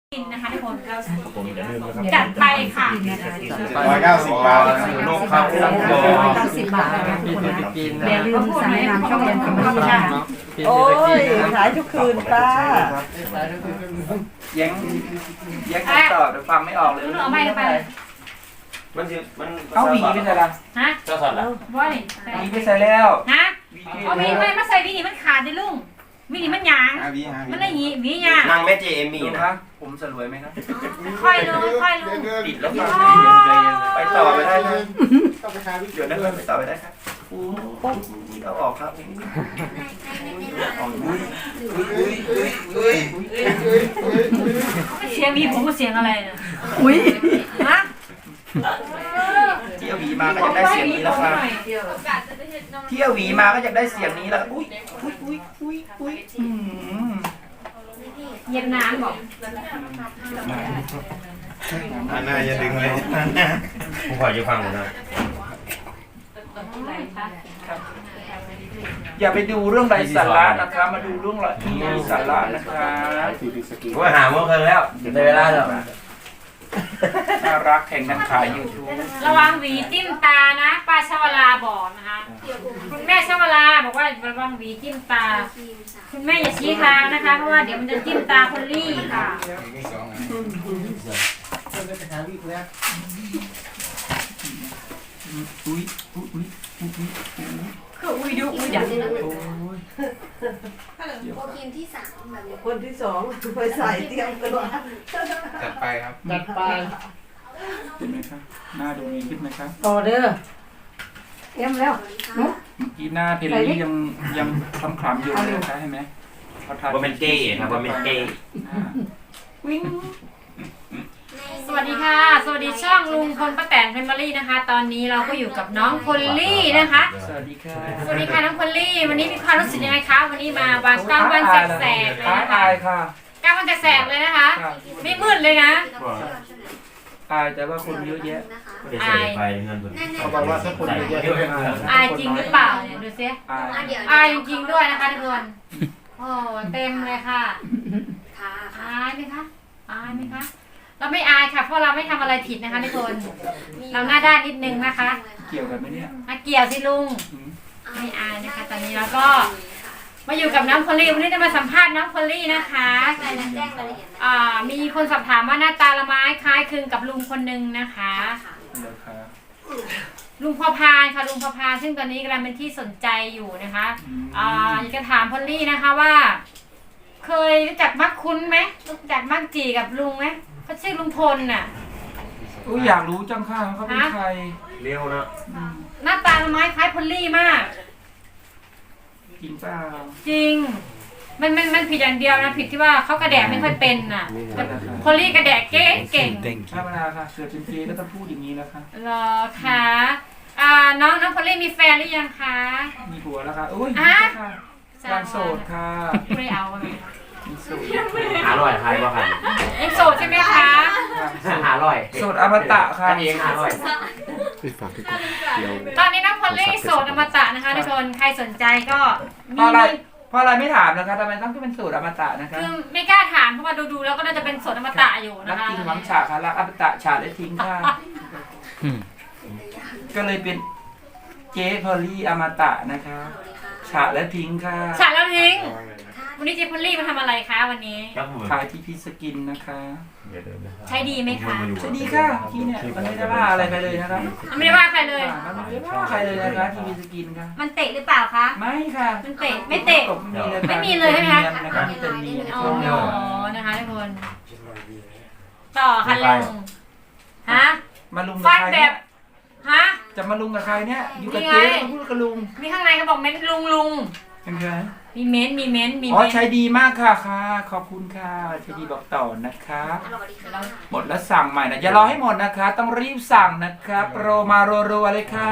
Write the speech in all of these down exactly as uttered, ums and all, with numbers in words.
กินนะคะทุกคนเราผมอย่าลืมนะครับจัดไปค่ะร้อยเก้าสิบบาทโลกครับสังกอเก้าสิบบาทนะคะทุกคนนะกินอย่าลืมสั่งตามช่องยันคอมเมดี้ค่ะโอ้ยขายทุกคืนป้าแย้งแย้งคำตอบแต่ฟังไม่ออกเลยเอาไม่ไปเลยมันจะมันเอาหวีไปใส่ละฮะเจ้าสัตว์ละว่าไงหวีไปใส่แล้วฮะหวีเอาวีไม่มาใส่วีนี่มันขาดดิลุงวีนี่มันหยางมันได้ยีวีหยางนางแม่เจเอมี่ดูนะนะผมสลวยไหมครับค่อยลงค่อยลงปิดแล้วฟังไปต่อไปได้เลยเดี๋ยวนะครับไปต่อไปได้ครับอู้นี่เอาออกครับออกอุ้ยอุ้ยอุ้ยอุ้ยอุ้ยเสียงวีผมก็เสียงอะไรนะอุ้ยฮะเที่ยวหวีมาก็จะได้เสียงนี้แล้วครับเที่ยวหวีมาก็จะได้เสียงนี้แล้วอุ้ยอุ้ยอุ้ยอุ้ยอุ้ยอืมเย็นน้ำบอกอันน่าอย่าดึงเลยผมขอจะฟังหน่อยนะอย่าไปดูเรื่องไร้สาระนะครับมาดูเรื่องที่มีสาระนะครับผมหาเมื่อคืนแล้วในเวลาแล้วน่ารักแข่งกันขายยูทูบระวังหวีจิ้มตานะป้าชวลาบอกนะคะคุณแม่ชวลาบอกว่าระวังหวีจิ้มตาคุณแม่อย่าชี้ทางนะคะเพราะว่าเดี๋ยวมันจะจิ้มตาคนลี่ค่ะอุ้ยอุ้ยอุ้ยอุ้ยคืออุ้ยดูอุ้ยดังโอ้ยโปรทีมที่สามแบบนี้คนที่สองไปใส่เตรียมตัวจัดไปครับจัดไปเห็นไหมครับหน้าดูดีขึ้นไหมครับต่อเด้อเตรียมแล้วเมื่อกี้หน้าเพลลี่ยังยังคล้ำคล้ำอยู่เลยใช่ไหมเขาทานว่าเป็นเก้ครับว่าเป็นเก้วิ่งสวัสดีค่ะ สวัสดีช่องลุงพลป้าแตนแฟมิลี่นะคะ ตอนนี้เราก็อยู่กับน้องพลลี่นะคะสวัสดีค่ะสวัสดีค่ะน้องพลลี่ วันนี้มีความรู้สึกยังไงคะวันนี้มาวางกลางวันแสกๆเลยอายนะคะอายค่ะกลางวันแสกๆเลยนะคะ ไม่มืดเลยนะอายแต่ว่าคนเยอะแยะไม่ได้ใส่ไปเงินผมเขาบอกว่าถ้าคนเยอะแยะอายจริงหรือเปล่าเนี่ยดูซิอายอายจริงๆด้วยนะคะทุกคนโอ้เต็มเลยค่ะค่ะอายไหมคะอายไหมคะเราไม่อายค่ะเพราะเราไม่ทำอะไรผิดนะคะทุกคนเราหน้าด้านนิดนึงนะคะเกี่ยวกันไหมเนี่ยมาเกี่ยวสิลุงไม่อายนะคะ ตอนนี้เราก็มาอยู่กับน้องพอลลี่วันนี้จะมาสัมภาษณ์น้องพอลลี่นะคะแจ้งรายละเอียดอ่ามีคนสอบถามว่าหน้าตาละไม้คล้ายคลึงกับลุงคนหนึ่งนะคะเดี๋ยวค่ะลุงพอพานค่ะลุงพอพานซึ่งตอนนี้กำลังเป็นที่สนใจอยู่นะคะอ่าอยากจะถามพอลลี่นะคะว่า เคยรู้จักมักคุ้นไหมรู้จักมักจีกับลุงไหมเขาชื่อลุงพลน่ะอุ้ยอยากรู้จังค่ะเขาเป็นใครเร็วนะหน้าตาละไม้คล้ายพอลลี่มากจริงเปล่าจริง มันมันมันผิดอย่างเดียวนะผิดที่ว่าเขากระแดะไม่ค่อยเป็นน่ะแต่พอลลี่กระแดะเก่งเก่งธรรมดาค่ะเกิดเป็นเกย์ก็ต้องพูดอย่างนี้แล้วค่ะเหรอคะอ่าน้องน้องพอลลี่มีแฟนหรือยังคะมีผัวแล้วค่ะอุ้ยอ่ะค่ะการโสดค่ะไม่ได้เอาอะไรมีโสดหาร่อยใครบ้างครับยังโสดใช่ไหมคะหาร่อยโสดอมตะค่ะอันนี้หาร่อยตอนนี้น้องพอลลี่โสดอมตะนะคะทุกคนใครสนใจก็เพมีราะอะไรเพราะอะไรไม่ถามนะคะทำไมต้องเป็นโสดอมตะนะคะคือไม่กล้าถามเพราะว่าดูๆแล้วก็น่าจะเป็นโสดอมตะอยู่รันะกคะจริงหวังฉาค่ะรักอมตะฉาและทิ้งค่ะก็เลยเป็นเจ๊พอลลี่อมตะนะคะฉาและทิ้งค่ะฉาแล้วทิ้งวันนี้เจพอลลี่มาทำอะไรคะวันนี้ครับผมขายที่พีสกินนะคะใช้ดีไหมคะสวัสดีค่ะที่เนี่ยมันไม่ได้ว่าอะไรไปเลยนะคะไม่ได้ว่าใครเลยมันไม่ได้ว่าใครเลยนะคะที่พีสกินค่ะมันเตะหรือเปล่าคะไม่ค่ะมันเตะไม่เตะไม่ไม่มีมีเลยใช่ไหมคะนะคะมีแต่เนียนอ๋อคนเดียวนะคะทุกคน ต่อค่ะลุงฮะมาลุงกับฟันใครแบเนี่ยบฮะจะมาลุงกับใครเนี่ยอยู่กับนี่ไงเจ๊มาพูดกับลุงมีข้างในเขาบอกเม้นลุงลุงเป็นไงมีเม้นมีเม้นมีอ๋อเม้นใช้ดีมากค่ะค่ะ ขอบคุณค่ะใช้ดีบอกต่อนะคะสวัสดีค่ะหมดแล้วสั่งใหม่นะอย่ารอให้หมดนะคะ ต้องรีบสั่งนะคะโปรมารัวๆเลยค่ะ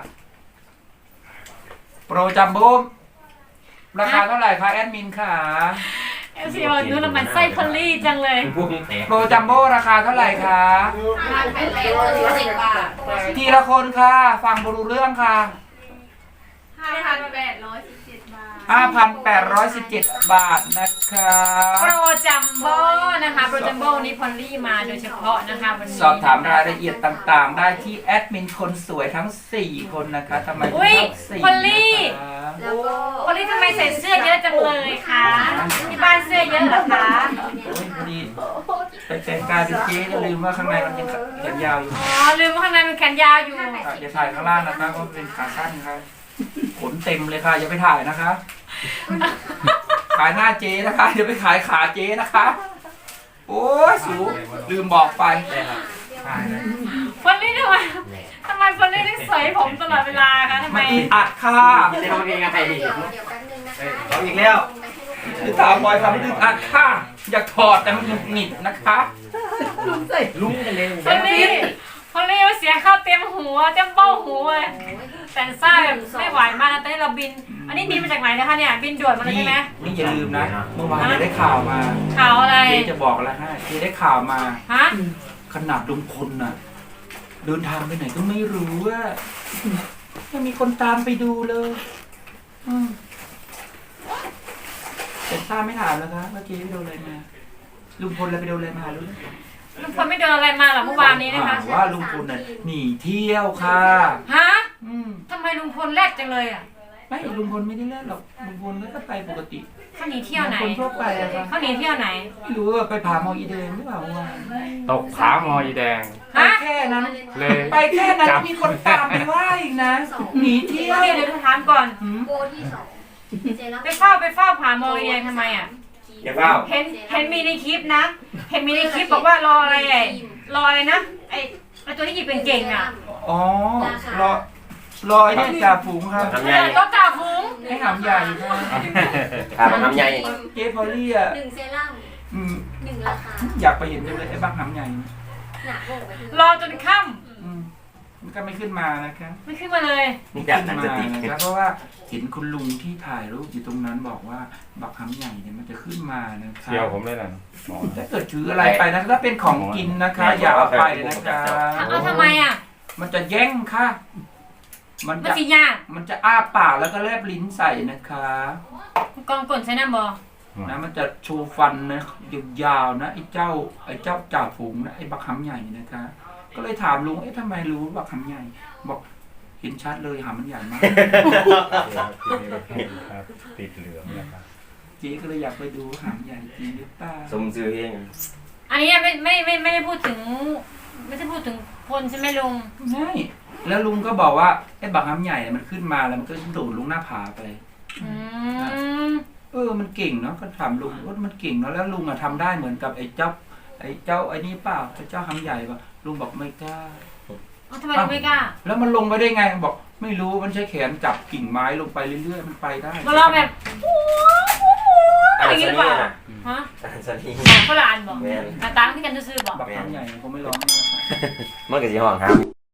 โปรจัมโบ้ราคาเท่าไหร่คะแอดมินค่ะเอฟซีบอกนู้นน้ำมันไส้พอลลี่จังเลยพวกนี้แตกโปรจัมโบ้ราคาเท่าไหร่คะห้าพันแปดร้อยสิบบาททีละคนค่ะ ฟังบรู้เรื่องค่ะห้าพันแปดร้อยสิบเจ็ดบาทห้าพันแปดร้อยสิบเจ็ด บาทนะครับโปรจัมโบ้นะคะโปรจัมโบ้นี้พอลลี่มาโดยเฉพาะนะคะวันนี้สอบถามรายละเอียดต่างๆ ได้ที่แอดมินคนสวยทั้ง สี่ คนนะคะทำไมถึงอุ้ยต้องสี่พอลลี่นะคะแล้วก็พอลลี่ทำไมใส่เสื้อเยอะจังเลยคะที่บ้านเสื้อเยอะเหรอคะโอ้ยพอดีไปแต่งกายเป็นเจ๊ก็ลืมว่าข้างในมันยังแขนยาวอยู่อ๋อลืมว่าข้างในมันแขนยาวอยู่ค่ะอย่าถ่ายข้างล่างนะคะเพราะเป็นขาสั้นครับขนเต็มเลยค่ะอย่าไปถ่ายนะคะ ขายหน้าเจ๊นะคะเดี๋ยวไปขายขาเจ๊นะคะ โอ้ยสูลืมบอกไปพอลลี่ทำไมทำไมพอลลี่ต้องใส่ผมตลอดเวลาคะทำไมอัดค่ะเดี๋ยวเดี๋ยวแป๊บนึงนะคะเอาอีกแล้วหรือถามบอยทำดึงอัดค่ะ อยากถอดแต่มันหงุดหงิดนะคะลุ้งกันเลยพอลลี่พอลลี่เสียข้าวเต็มหัวเต็มเบ้าหัวเลยแต่งซ่าแบบไม่ไหวมากนะตอนนี้เราบิน อันนี้บินมาจากไหนนะคะเนี่ยบินด่วนมาเลยนี่ใช่ไหมนี่อย่าลืมนะ เมื่อวานเจ๊ได้ข่าวมาข่าวอะไรเจ๊จะบอกอะไรให้เจ๊ได้ข่าวมาฮะขนาดลุงพลน่ะ เดินทางไปไหนก็ไม่รู้ว่ายังมีคนตามไปดูเลยอืมแต่ทราบไม่ถามแล้วครับว่าเจ๊ไปโดนอะไรมา ลุงพลอะไรไปโดนอะไรมารู้ไหมลุงพลไม่โดนอะไรมาหรอเมื่อวานนี้นะคะอ่าว่าลุงพลน่ะหนีเที่ยวค่ะฮะอืมทำไมลุงพลแรกจังเลยอ่ะไม่ลุงพลไม่ได้เล่นหรอกลุงพลก็ไปปกติเขาหนีเที่ยวไหนคนทั่วไปอะครับเขาหนีเที่ยวไหนไม่รู้ว่าไปผาหมออีเดนหรือเปล่าเมื่อวานตกขาหมออีแดงไปฮะแค่นั้นเลยไปแค่นั้นมีคนตามไปว่าอีกนะหนีเที่ยวเดี๋ยวเดี๋ยวถามก่อนหืมโบที่สองเจรั่มไปเฝ้าไปเฝ้าผาโมยเองทำไมอ่ะอย่าเฝ้าเห็นเห็นมีในคลิปนะ เห็นมีในคลิปบอกว่ารออะไรไอ้รออะไรนะไอ้ไอ้ตัวที่หยิบเป็นเก่งอ่ะอ๋อรอรอไอ้เนี่ยจ่าฝูงครับทำใหญ่รถจ่าฝูงให้หำใหญ่ครับครับทำใหญ่เจ๊พอลลี่อ่ะหนึ่งเซรั่มอืมหนึ่งราคาอยากไปเห็นจังเลยไอ้บ้างหำใหญ่หนักโบกไปรอจนค่อืมมันก็ไม่ขึ้นมานะครับำไม่ขึ้นมาเลยนี่ขึ้จากนนั้นมาจะติดนะครับเพราะว่าเห็นคุณลุงที่ถ่ายรูปอยู่ตรงนั้นบอกว่าบักหำใหญ่เนี่ยมันจะขึ้นมานะครับเที่ยวผมเลยนะถ้าเกิดถืออะไรไปนะถ้าเป็นของกินนะคะ อย่าเอาไปนะคะเอาทำไมอ่ะมันจะแย่งค่ะ มันมันจะสิยากมันจะอ้าปากแล้วก็แลบลิ้นใส่นะคะกองกลใช้น้ำบอนะมันจะโชว์ฟันนะยาวๆนะไอ้เจ้าไอ้เจ้าจ่าฝูงนะไอ้บักหำใหญ่นะคะ ก็เลยถามลุงเอ๊ะทำไมรู้บักหำใหญ่ บอกเห็นชัดเลยหำมันใหญ่มากครับติดเหลืองนะครับเจ๊ก็เลยอยากไปดูหำใหญ่จริงหรือเปล่าสมซื้อเองอันนี้ไม่ไม่ไม่ไม่ได้พูดถึง ไม่ได้พูดถึงพลใช่ไหมลุงใช่แล้วลุงก็บอกว่าไอ้บักหำใหญ่เนี่ยมันขึ้นมาแล้วมันก็โดดลงหน้าผาไปอืมเออ มันเก่งเนาะ ก็ถามลุงว่ามันเก่งเนาะ แล้วลุงอะทำได้เหมือนกับไอ้เจ้า ไอ้เจ้าไอ้นี่เปล่าไอ้เจ้าหำใหญ่ป่ะ ลุงบอกไม่กล้าเอาทำไมลุงไม่กล้าแล้วมันลงไปได้ไง บอกไม่รู้ มันใช้แขนจับกิ่งไม้ลงไปเรื่อยๆ มันไปได้มาลองแบบอันอย่างนี้นี้หรือเปล่านะฮะอันนี้บอกฝรั่งบอกแม่นหน้าตาที่กันซื่อๆบอกบักหำใหญ่ผมไม่ร้องเลยนะครับมันก็สิห้องครับ